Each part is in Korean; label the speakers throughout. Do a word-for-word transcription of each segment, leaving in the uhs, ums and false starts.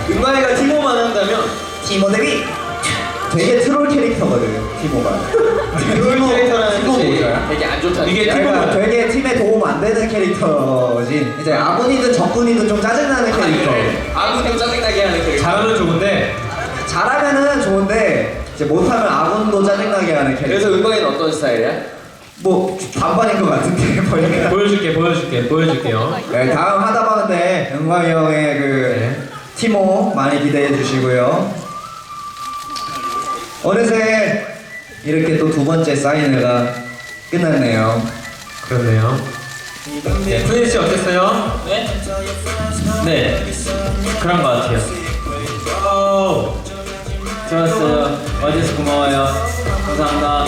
Speaker 1: 은광이가 티모만 한다면
Speaker 2: 티모 데뷔. 되게 트롤 캐릭터거든 티모가.
Speaker 1: 트롤 캐릭터라는
Speaker 2: 티모
Speaker 1: 뜻이
Speaker 2: 뭐야?
Speaker 1: 되게 안 좋다.
Speaker 3: 이게
Speaker 2: 그러니까 되게 팀에 도움 안 되는 캐릭터지. 이제 아군이든 적군이든 좀 짜증나는 캐릭터.
Speaker 1: 아군도 짜증나게 하는 캐릭터.
Speaker 3: 잘하면 좋은데
Speaker 2: 잘하면은 좋은데 이제 못하면 아군도 짜증나게 하는 캐릭터.
Speaker 1: 그래서 은광이는 어떤 스타일이야?
Speaker 2: 뭐 반반인 것 같은데 보니까.
Speaker 3: 보여줄게 보여줄게 보여줄게요.
Speaker 2: 네, 다음 하다방인데 은광이 형의 그
Speaker 3: 네.
Speaker 2: 티모 많이 기대해 주시고요. 어느새 이렇게 또 두 번째 사인회가 끝났네요.
Speaker 3: 그렇네요. 네, 푸니 씨 어땠어요?
Speaker 4: 네? 네, 그런 것 같아요. 오, 좋았어요. 와줘서 고마워요. 감사합니다.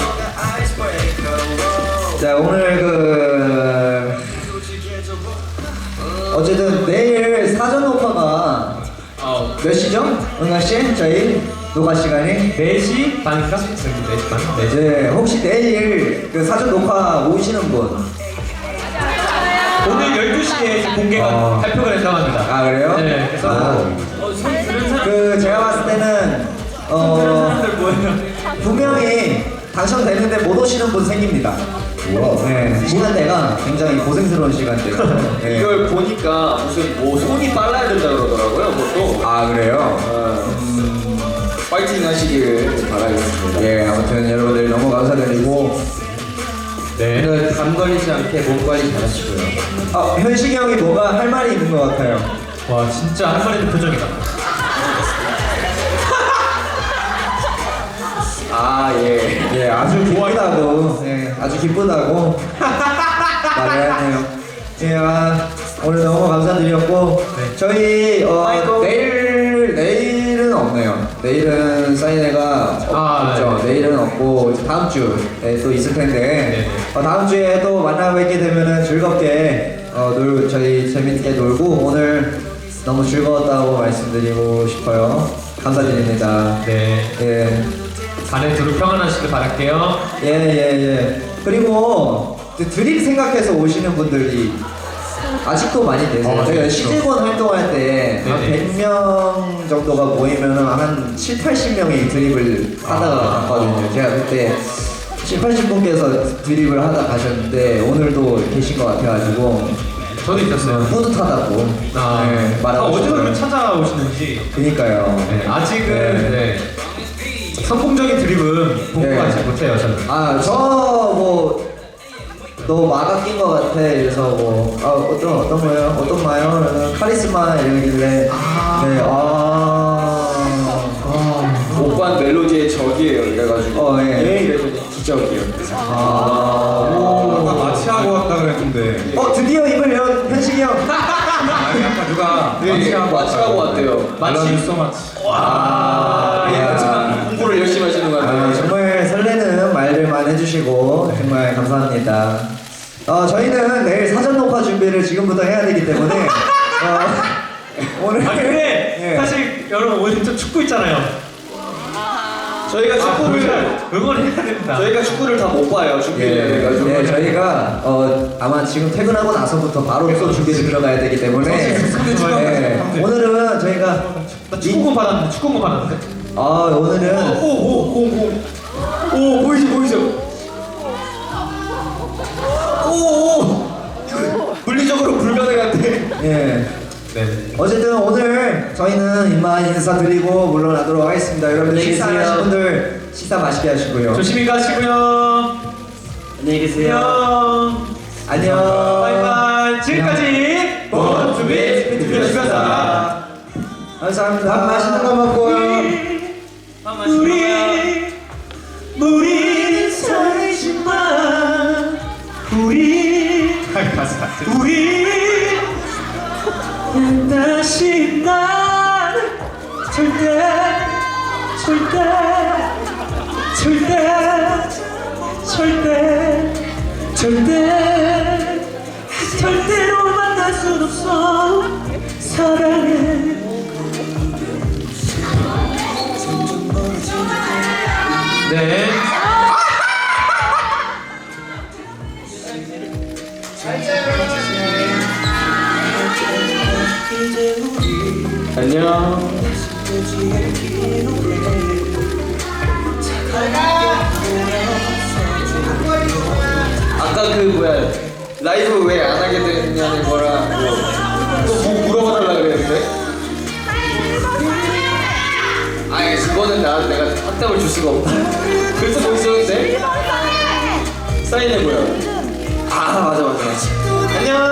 Speaker 2: 자 오늘 그 어쨌든 내일 사전 녹화가
Speaker 4: 어,
Speaker 2: 몇 시죠? 은하 씨 저희 녹화 시간이
Speaker 3: 네 시 반인가? 네 시 반? 네 시.
Speaker 2: 네 혹시 내일 그 사전 녹화 오시는 분?
Speaker 3: 오늘 열두 시에 이제 공개가
Speaker 2: 어.
Speaker 3: 발표가 된다고 합니다.
Speaker 2: 아 그래요?
Speaker 3: 네, 그래서
Speaker 2: 아,
Speaker 4: 어, 손 들은 사람,
Speaker 2: 그 제가 봤을 때는
Speaker 4: 들은
Speaker 2: 어
Speaker 4: 사람들 뭐예요?
Speaker 2: 분명히 당첨되는데 못 오시는 분 생깁니다. 네, 시간대가 굉장히 고생스러운 시간대예요. 네.
Speaker 1: 이걸 보니까 무슨 뭐 손이 빨라야 된다 그러더라고요. 그것도.
Speaker 2: 아 그래요?
Speaker 1: 어, 파이팅 하시기를 바라겠습니다.
Speaker 2: 예, 아무튼 여러분들 너무 감사드리고
Speaker 3: 네.
Speaker 2: 오늘 담 걸리지 않게 몸 관리 잘하시고요. 아, 현식이 형이 뭐가 할 말이 있는 것 같아요.
Speaker 3: 와 진짜 한 마리 표정이다.
Speaker 1: 아 예.
Speaker 2: 예, 아주 기쁘다고, 예, 아주 기쁘다고 말을 하네요. 예, 아, 오늘 너무 감사드렸고
Speaker 3: 네.
Speaker 2: 저희 어, 내일 내일은 없네요. 내일은 사인회가 없,
Speaker 3: 아,
Speaker 2: 없죠.
Speaker 3: 네.
Speaker 2: 내일은 없고 이제 다음 주에 또 있을 텐데
Speaker 3: 네.
Speaker 2: 어, 다음 주에 또 만나 뵙게 되면은 즐겁게 어, 놀 저희 재밌게 놀고 오늘 너무 즐거웠다고 말씀드리고 싶어요. 감사드립니다.
Speaker 3: 네.
Speaker 2: 예.
Speaker 3: 반에 두루 평안하시길 바랄게요.
Speaker 2: 예, 예, 예. 그리고 그 드립 생각해서 오시는 분들이 아직도 많이 계세요.
Speaker 3: 어,
Speaker 2: 저희가
Speaker 3: 네,
Speaker 2: 시즈권 활동할 때 한
Speaker 3: 네네.
Speaker 2: 백 명 정도가 모이면은 한 칠, 팔십 명이 드립을 하다가
Speaker 3: 아.
Speaker 2: 갔거든요. 제가 그때 칠, 팔십 분께서 드립을 하다 가셨는데 오늘도 계신 것 같아가지고
Speaker 3: 저도 있었어요.
Speaker 2: 뿌듯하다고
Speaker 3: 아,
Speaker 2: 네,
Speaker 3: 아
Speaker 2: 말하고
Speaker 3: 어디서
Speaker 2: 싶어요.
Speaker 3: 그렇게 찾아오시는지.
Speaker 2: 그니까요.
Speaker 3: 네, 아직은
Speaker 2: 네.
Speaker 3: 네. 성공적인 드립은 공부하지
Speaker 2: 네.
Speaker 3: 못해요 저는.
Speaker 2: 아, 저 뭐, 너 마가 낀 것 같아. 그래서 뭐, 아, 어떤, 어떤 거예요? 어떤 마요? 그러면 카리스마 이러길래.
Speaker 3: 아.
Speaker 2: 네, 아. 아.
Speaker 1: 오빠 멜로디의 적이에요. 이래가지고.
Speaker 2: 어, 예.
Speaker 1: 예, 이래서 기적이에요.
Speaker 2: 아.
Speaker 5: 아까 마취하고 왔다 그랬는데
Speaker 2: 어, 드디어 입을 연, 현식이 형.
Speaker 5: 아니 아까 누가
Speaker 1: 네,
Speaker 5: 마취하고
Speaker 1: 마취하고 왔대요.
Speaker 5: 마취 있어 마취
Speaker 2: 아,
Speaker 1: 예,
Speaker 2: 야.
Speaker 1: 공부를 열심히 하시는 것
Speaker 2: 아,
Speaker 1: 같아요.
Speaker 2: 정말 설레는 말들만 해주시고 정말 감사합니다. 어, 저희는 내일 사전 녹화 준비를 지금부터 해야 되기 때문에 어, 오늘
Speaker 3: 아 근데
Speaker 2: 예.
Speaker 3: 사실 여러분 오늘 좀 축구 있잖아요.
Speaker 1: 저희가 축구를
Speaker 3: 응원해야 된다.
Speaker 1: 저희가 축구를 다 못 봐요. 준비를
Speaker 2: 예,
Speaker 1: 해가지고.
Speaker 2: 예, 저희가 어, 아마 지금 퇴근하고 나서부터 바로 또 준비를 들어가야 되기 때문에
Speaker 5: 삼대 추가
Speaker 2: 예,
Speaker 5: 삼대.
Speaker 2: 오늘은 저희가
Speaker 3: 나 축구공 받았는데 축구공 받았는데.
Speaker 2: 아 오늘은
Speaker 1: 오오오오 오 보이죠 보이죠. 오오 물리적으로 불가능한데.
Speaker 2: 예.
Speaker 3: 네.
Speaker 2: 어쨌든 오늘 저희는 이만 인사드리고 물러나도록 하겠습니다. 여러분들 식사 안 하신 분들 식사 맛있게 하시고요.
Speaker 3: 조심히 가시고요.
Speaker 4: 안녕히 계세요.
Speaker 3: 안녕.
Speaker 2: 안녕.
Speaker 3: 바이바이. 지금까지 본투비 스피드였습니다.
Speaker 2: 감사합니다. 밥 맛있는 거 먹고요.
Speaker 4: 밥 마시고요.
Speaker 3: 우리 살지만 우리 가사 우리 다시 난 절대 절대 절대 절대 절대 절대로 만날 수 없어 사랑해. 네.
Speaker 2: 이제 우리
Speaker 1: 안녕. 아까 그 뭐야 라이브 왜 안 하게 됐냐는 거랑 또뭐 물어봐달라 그랬는데. 아니 그거는 나 내가 확답을 줄 수가 없다. 그래서 뭐 있었는데? 사인해 보여. 아 맞아 맞아. 안녕.